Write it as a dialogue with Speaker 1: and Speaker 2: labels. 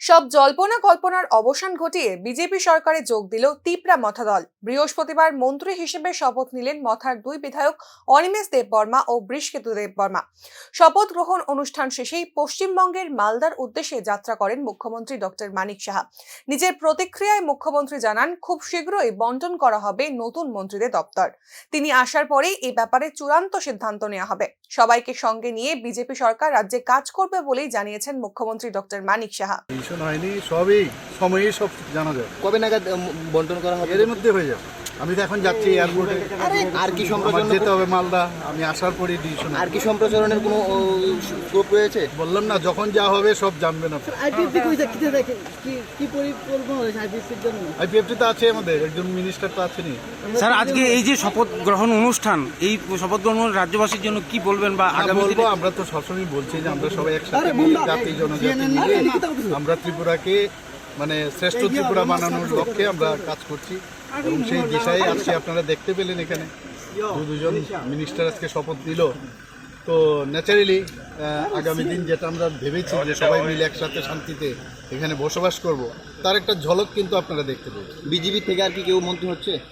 Speaker 1: সব জল্পনা কল্পনার অবসান ঘটিয়ে বিজেপি সরকারে যোগ দিল তিপ্রা মথা দল। বৃহস্পতিবার মন্ত্রী হিসেবে শপথ নিলেন মথার দুই বিধায়ক অনিমেষ দেববর্মা ও বৃষকেতু দেববর্মা। শপথ গ্রহণ অনুষ্ঠান শেষেই পশ্চিমবঙ্গের মালদার উদ্দেশ্যে যাত্রা করেন মুখ্যমন্ত্রী ডক্টর মানিক সাহা। নিজের প্রতিক্রিয়ায় মুখ্যমন্ত্রী জানান, খুব শীঘ্রই বন্টন করা হবে নতুন মন্ত্রীদের দপ্তর। তিনি আসার পরেই এই ব্যাপারে চূড়ান্ত সিদ্ধান্ত নেওয়া হবে। সবাইকে সঙ্গে নিয়ে বিজেপি সরকার রাজ্যে কাজ করবে বলেই জানিয়েছেন মুখ্যমন্ত্রী ডক্টর মানিক সাহা।
Speaker 2: হয়নি, সবই সময়ে সব জানা যাবে।
Speaker 3: কবে নাগাদ বন্টন করা হবে?
Speaker 2: এর মধ্যে হয়ে যাবে। আমি তো এখন যাচ্ছি এয়ারপোর্টে,
Speaker 3: আর কি সম্প্রচারণ
Speaker 2: যেতে হবে মালদা। আমি আসার পরে ডিসিশন।
Speaker 3: আর কি সম্প্রচারণের কোনো স্কোপ রয়েছে?
Speaker 2: বললাম না, যখন যা হবে সব জানবেন আপনি। আইপিএফটি তো আছে, আমাদের একজন মিনিস্টার তো আছেনই।
Speaker 4: স্যার, আজকে এই যে শপথ গ্রহণ অনুষ্ঠান, এই শপথ গ্রহণ রাজ্যবাসীর জন্য কি বলবেন বা আগামী
Speaker 2: বলবো, আমরা তো সবসময় বলছি যে আমরা সবাই একসাথে মিলে জাতি জনজাতি মিলে আমরা ত্রিপুরাকে মানে শ্রেষ্ঠ ত্রিপুরা বানানোর লক্ষ্যে আমরা কাজ করছি এবং সেই দিশায় আজকে আপনারা দেখতে পেলেন এখানে দুজন মিনিস্টার আজকে শপথ নিল। তো ন্যাচারালি আগামী দিন যেটা আমরা ভেবেছি যে সবাই মিলে একসাথে শান্তিতে এখানে বসবাস করব, তার একটা ঝলক কিন্তু আপনারা দেখতে পাবেন।
Speaker 3: বিজেপি থেকে আর কি কেউ মন্ত্রী হচ্ছে?